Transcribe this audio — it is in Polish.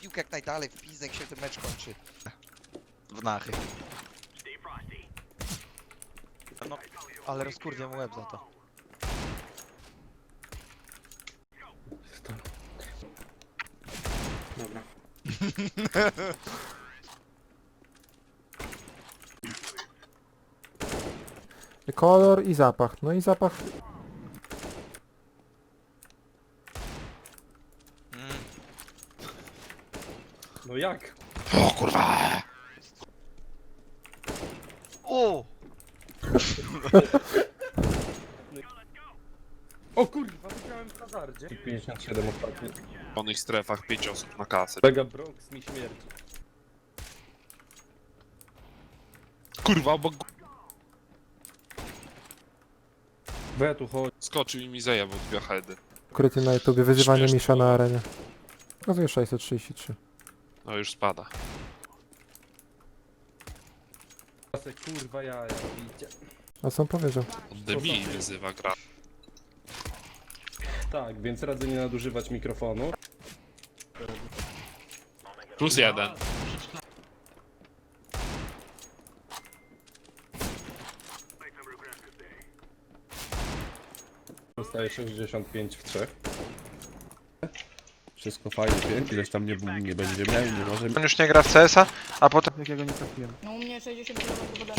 piłkę jak najdalej, w pizdę, jak się ten mecz kończy. W nachy. No, Ale rozkurwię mu łeb za to. Dobra. Kolor i zapach. No i zapach. No jak? O kurwa! O! O kurwa, wygrałem w hazardzie. 57 ostatni. w wolnych strefach 5 osób na kasę. Mega Bronx mi śmierdzi. Kurwa, obok We tu chodź. skoczył i mi zajebał 2 heady. Ukryty na YouTubie. Wyzywanie Śmieszne Misza było. na arenie. Pokazuje 633. No już spada. Kurwa jaja robicie. A co on powiedział? On debili wyzywa gra. Tak, więc radzę nie nadużywać mikrofonu. +1. Dostaję 65 w 3. Wszystko fajnie, 5, ileś tam nie będzie miał, nie może. On już nie gra w CS-a, a potem... No u mnie 60 km ode